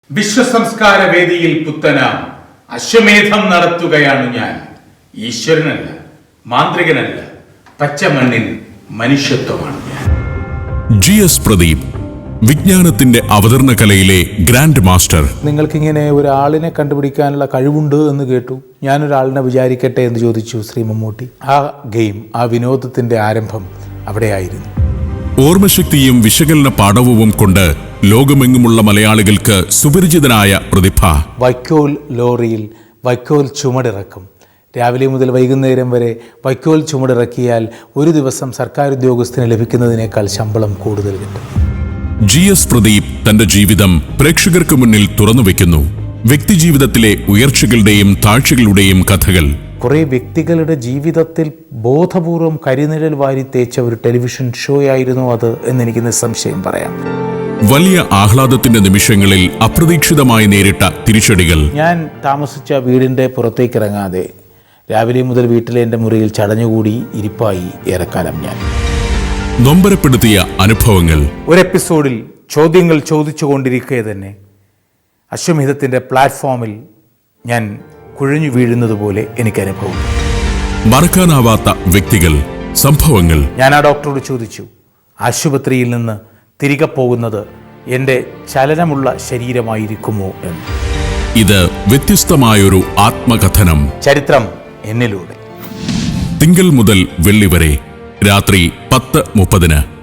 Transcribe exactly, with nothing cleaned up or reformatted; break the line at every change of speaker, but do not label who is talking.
വിശ്വസംസ്കാര വേദിയിൽ പുത്തന അശ്വമേധം നടത്തുകയാണ് ഞാൻ. ഈശ്വരനല്ല, മാന്ത്രികനല്ല, പച്ചമണ്ണിൽ മനുഷ്യത്വമാണ് ഞാൻ.
ജി എസ് പ്രദീപ്, വിജ്ഞാനത്തിന്റെ അവതരണ കലയിലെ ഗ്രാൻഡ് മാസ്റ്റർ.
നിങ്ങൾക്കിങ്ങനെ ഒരാളിനെ കണ്ടുപിടിക്കാനുള്ള കഴിവുണ്ട് എന്ന് കേട്ടു. ഞാനൊരാളിനെ വിചാരിക്കട്ടെ എന്ന് ചോദിച്ചു ശ്രീ മമ്മൂട്ടി. ആ ഗെയിം, ആ വിനോദത്തിന്റെ ആരംഭം അവിടെയായിരുന്നു.
ഓർമ്മശക്തിയും വിശകലന പാഠവും കൊണ്ട് ലോകമെങ്ങുമുള്ള മലയാളികൾക്ക് സുപരിചിതനായ പ്രതിഭ.
വൈക്കോൽ ലോറിയിൽ വൈക്കോൽ ചുമടിറക്കും. രാവിലെ മുതൽ വൈകുന്നേരം വരെ വൈക്കോൽ ചുമടിറക്കിയാൽ ഒരു ദിവസം സർക്കാർ ഉദ്യോഗസ്ഥന് ലഭിക്കുന്നതിനേക്കാൾ ശമ്പളം കൂടുതൽ കിട്ടും.
ജി എസ് പ്രദീപ് തന്റെ ജീവിതം പ്രേക്ഷകർക്ക് മുന്നിൽ തുറന്നുവെക്കുന്നു. വ്യക്തിജീവിതത്തിലെ ഉയർച്ചകളുടെയും താഴ്ചകളുടെയും കഥകൾ.
കുറേ വ്യക്തികളുടെ ജീവിതത്തിൽ ബോധപൂർവം കരിനിഴൽ വാരി തേച്ച ഒരു ടെലിവിഷൻ ഷോ ആയിരുന്നു അത് എന്നെനിക്ക് നിസ്സംശയം പറയാം.
വലിയ ആഹ്ലാദത്തിന്റെ നിമിഷങ്ങളിൽ അപ്രതീക്ഷിതമായി നേരിട്ട തിരിച്ചടികൾ.
ഞാൻ താമസിച്ച വീടിൻ്റെ പുറത്തേക്ക് ഇറങ്ങാതെ രാവിലെ മുതൽ വീട്ടിലെ എൻ്റെ മുറിയിൽ ചടഞ്ഞുകൂടി ഇരിപ്പായി ഏറെക്കാലം ഞാൻ.
നൊമ്പരപ്പെടുത്തിയ അനുഭവങ്ങൾ.
ഒരു എപ്പിസോഡിൽ ചോദ്യങ്ങൾ ചോദിച്ചുകൊണ്ടിരിക്കെ തന്നെ അശ്വമേധത്തിൻ്റെ പ്ലാറ്റ്ഫോമിൽ ഞാൻ കുഴഞ്ഞു വീഴുന്നത് പോലെ എനിക്ക് അനുഭവം.
മറക്കാനാവാത്ത വ്യക്തികൾ, സംഭവങ്ങൾ.
ഞാൻ ആ ഡോക്ടറോട് ചോദിച്ചു, ആശുപത്രിയിൽ നിന്ന് തിരികെ പോകുന്നത് എൻ്റെ ചലനമുള്ള ശരീരമായിരിക്കുമോ എന്ന്.
ഇത് വ്യത്യസ്തമായൊരു ആത്മകഥനം.
ചരിത്രം എന്നിലൂടെ.
തിങ്കൾ മുതൽ വെള്ളി വരെ രാത്രി പത്ത് മുപ്പതിന്.